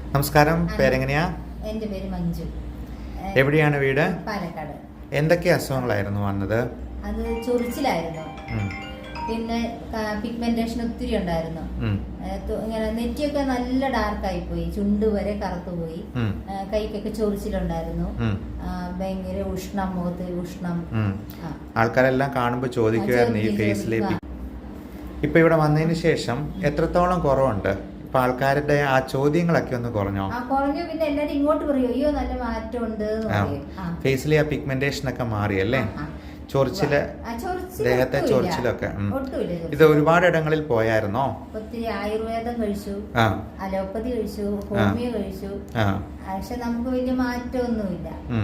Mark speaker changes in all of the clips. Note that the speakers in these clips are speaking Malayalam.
Speaker 1: നമസ്കാരം, പേരെങ്ങനെയാ?
Speaker 2: എൻ്റെ പേര് മഞ്ജു.
Speaker 1: എവിടെയാണ് വീട്?
Speaker 2: പാലക്കാട്.
Speaker 1: എന്തൊക്കെ അസുഖങ്ങളായിരുന്നു വന്നത്?
Speaker 2: അത് ചൊറിച്ചിലായിരുന്നു, പിന്നെ പിഗ്മെന്റേഷൻ ഒത്തിരി ഉണ്ടായിരുന്നു. ഇങ്ങനെ നെറ്റിയൊക്കെ നല്ല ഡാർക്കായി പോയി, ചുണ്ട് വരെ കറുത്തുപോയി, കൈക്കൊക്കെ ചൊറിച്ചിലുണ്ടായിരുന്നു, ഭയങ്കര ഉഷ്ണം, മുഖത്ത് ഉഷ്ണം.
Speaker 1: ആൾക്കാരെല്ലാം കാണുമ്പോൾ ചോദിക്കുമായിരുന്നു ഈ ഫേസിലെ. ഇപ്പൊ ഇവിടെ വന്നതിന് ശേഷം എത്രത്തോളം കുറവുണ്ട്? ഇപ്പൊ ആൾക്കാരുടെ ആ ചോദ്യങ്ങളൊക്കെ ഒന്ന് കുറഞ്ഞോ?
Speaker 2: കുറഞ്ഞു. പിന്നെ എല്ലാരും ഇങ്ങോട്ട് പറയും, അയ്യോ നല്ല മാറ്റമുണ്ട്.
Speaker 1: ഫേസിലെ ആ പിഗ്മെന്റേഷൻ ഒക്കെ മാറിയല്ലേ? ചൊറിച്ചില്, ദേഹത്തെ ചൊറിച്ചിലൊക്കെ. ഇത് ഒരുപാട് ഇടങ്ങളിൽ പോയായിരുന്നോ?
Speaker 2: ഒത്തിരി ആയുർവേദം കഴിച്ചു, അലോപ്പതി കഴിച്ചു, ഹോമിയോ കഴിച്ചു, പക്ഷെ നമുക്ക് വലിയ മാറ്റമൊന്നുമില്ല.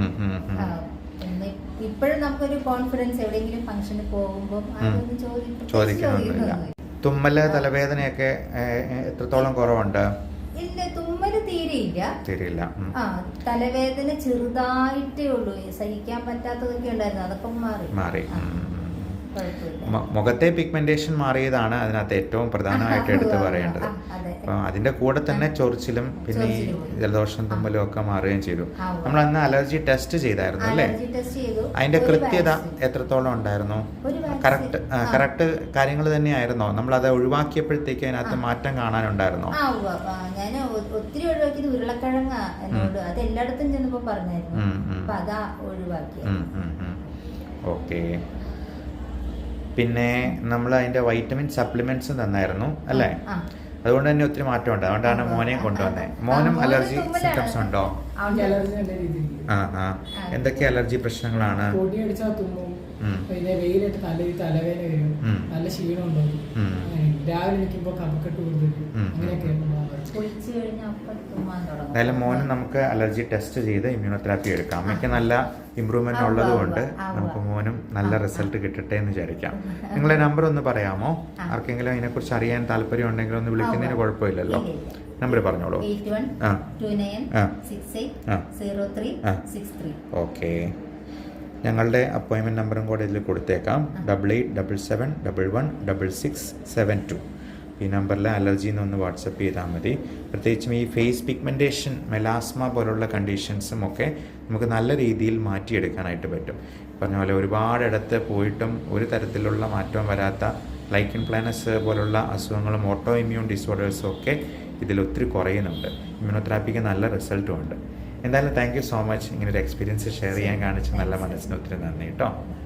Speaker 2: ഇപ്പോഴും നമുക്കൊരു കോൺഫിഡൻസ്, എവിടെയെങ്കിലും ഫംഗ്ഷന് പോകുമ്പോൾ അതൊന്നും ചോദിക്കുന്നില്ല.
Speaker 1: തുമ്മല്, തലവേദനയൊക്കെ എത്രത്തോളം കുറവുണ്ട്?
Speaker 2: ഇല്ല, തുമ്മല് തീരെയില്ല. തലവേദന ചെറുതായിട്ടേ ഉള്ളൂ, സഹിക്കാൻ പറ്റാത്തതൊക്കെ ഉണ്ടായിരുന്നു, അതൊക്കെ മാറി.
Speaker 1: മുഖത്തെ പിഗ്മെന്റേഷൻ മാറിയതാണ് അതിനകത്ത് ഏറ്റവും പ്രധാനമായിട്ട് എടുത്ത് പറയേണ്ടത്. അപ്പം അതിന്റെ കൂടെ തന്നെ ചൊറിച്ചിലും പിന്നെ ഈ ജലദോഷം തുമ്മലും ഒക്കെ മാറുകയും ചെയ്തു. നമ്മൾ അന്ന് അലർജി ടെസ്റ്റ് ചെയ്തായിരുന്നു അല്ലേ? അതിന്റെ കൃത്യത എത്രത്തോളം ഉണ്ടായിരുന്നു? കറക്റ്റ് കാര്യങ്ങൾ തന്നെയായിരുന്നോ? നമ്മൾ അത് ഒഴിവാക്കിയപ്പോഴത്തേക്ക് അതിനകത്ത് മാറ്റം കാണാനുണ്ടായിരുന്നോ?
Speaker 2: ഞാൻ ഒത്തിരി ഒഴിവാക്കിയത് ഉരുളക്കിഴങ്ങ എന്നോട്, അത് എല്ലായിടത്തും ചെന്നപ്പോ പറഞ്ഞായിരുന്നു, അപ്പൊ അതാ ഒഴിവാക്കി.
Speaker 1: ഓക്കെ. പിന്നെ നമ്മൾ അതിന്റെ വൈറ്റമിൻ സപ്ലിമെന്റ്സ് തന്നായിരുന്നു അല്ലേ? അതുകൊണ്ട് തന്നെ ഒത്തിരി മാറ്റമുണ്ട്. അതുകൊണ്ടാണ് മോനെയും കൊണ്ടുവന്നത്. മോനും അലർജി സിംറ്റംസ് ഉണ്ടോ? എന്തൊക്കെ അലർജി പ്രശ്നങ്ങളാണ്?
Speaker 3: പിന്നെ വെയിലിട്ട് തലവേദന വരും, നല്ല ക്ഷീണം ഉണ്ടാവും, രാവിലെ നിൽക്കുമ്പോൾ കഫക്കെട്ട് കൊടുത്തിട്ട് അങ്ങനെയൊക്കെ.
Speaker 1: എന്തായാലും മോന് നമുക്ക് അലർജി ടെസ്റ്റ് ചെയ്ത് ഇമ്മ്യൂണോതെറാപ്പി എടുക്കാം. അമ്മയ്ക്ക് നല്ല ഇമ്പ്രൂവ്മെന്റ് ഉള്ളതുകൊണ്ട് നമുക്ക് മോനും നല്ല റിസൾട്ട് കിട്ടട്ടെ എന്ന് വിചാരിക്കാം. നിങ്ങളെ നമ്പർ ഒന്ന് പറയാമോ? ആർക്കെങ്കിലും അതിനെക്കുറിച്ച് അറിയാൻ താല്പര്യം ഉണ്ടെങ്കിൽ ഒന്ന് വിളിക്കുന്നതിന് കുഴപ്പമില്ലല്ലോ. നമ്പർ പറഞ്ഞോളൂ. ഓക്കെ. ഞങ്ങളുടെ അപ്പോയിൻമെൻറ്റ് നമ്പറും കൂടെ ഇതിൽ കൊടുത്തേക്കാം. 8877711672. ഈ നമ്പറിൽ അലർജി എന്നൊന്ന് വാട്സപ്പ് ചെയ്താൽ മതി. പ്രത്യേകിച്ചും ഈ ഫേസ് പിഗ്മെൻറ്റേഷൻ, മെലാസ്മ പോലുള്ള കണ്ടീഷൻസും ഒക്കെ നമുക്ക് നല്ല രീതിയിൽ മാറ്റിയെടുക്കാനായിട്ട് പറ്റും. പറഞ്ഞ പോലെ ഒരുപാടിടത്ത് പോയിട്ടും ഒരു തരത്തിലുള്ള മാറ്റവും വരാത്ത ലൈക്കൻ പ്ലാനസ് പോലുള്ള അസുഖങ്ങളും ഓട്ടോ ഇമ്മ്യൂൺ ഡിസോർഡേഴ്സും ഒക്കെ ഇതിൽ ഒത്തിരി കുറയുന്നുണ്ട്. ഇമ്മ്യൂണോതെറാപ്പിക്ക് നല്ല റിസൾട്ടും ഉണ്ട്. എന്തായാലും താങ്ക് യു സോ മച്ച്. ഇങ്ങനൊരു എക്സ്പീരിയൻസ് ഷെയർ ചെയ്യാൻ കാണിച്ച നല്ല മനസ്സിന് ഒത്തിരി നന്ദി കേട്ടോ.